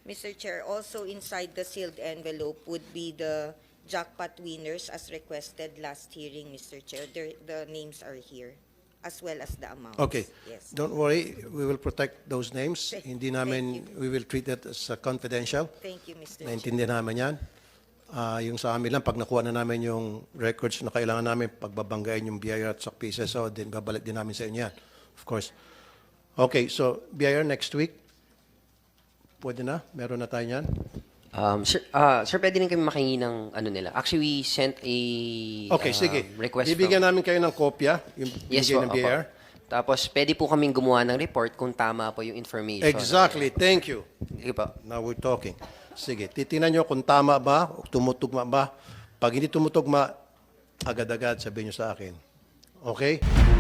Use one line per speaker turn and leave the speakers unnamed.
Mr. Chair, also inside the sealed envelope would be the jackpot winners as requested last hearing, Mr. Chair. The names are here, as well as the amounts.
Okay.
Yes.
Don't worry, we will protect those names. Hindi namin,
Thank
we will treat that as confidential.
Thank you, Mr. Chair.
Naintindihan namin yan. Yung sa amin lang, pag nakuha na namin yung records na kailangan namin, pagbabanggain yung BIR at SOC PSSO, then babalik din namin sa inyo yan. Of course. Okay, so BIR next week, pwede na? Meron na tayo yan?
Sir, pwede rin kami makingi ng ano nila. Actually, we sent a
Okay, sige.
request
Bibigyan namin kayo ng kopya, yung
Yes
binigay
po,
ng BIR.
opo. Tapos, pwede po kaming gumawa ng report kung tama po yung information.
Exactly, thank you.
Sige po.
Now we're talking. Sige, titingnan nyo kung tama ba, o tumutugma ba. Pag hindi tumutugma, agad-agad sabihin nyo sa akin. Okay?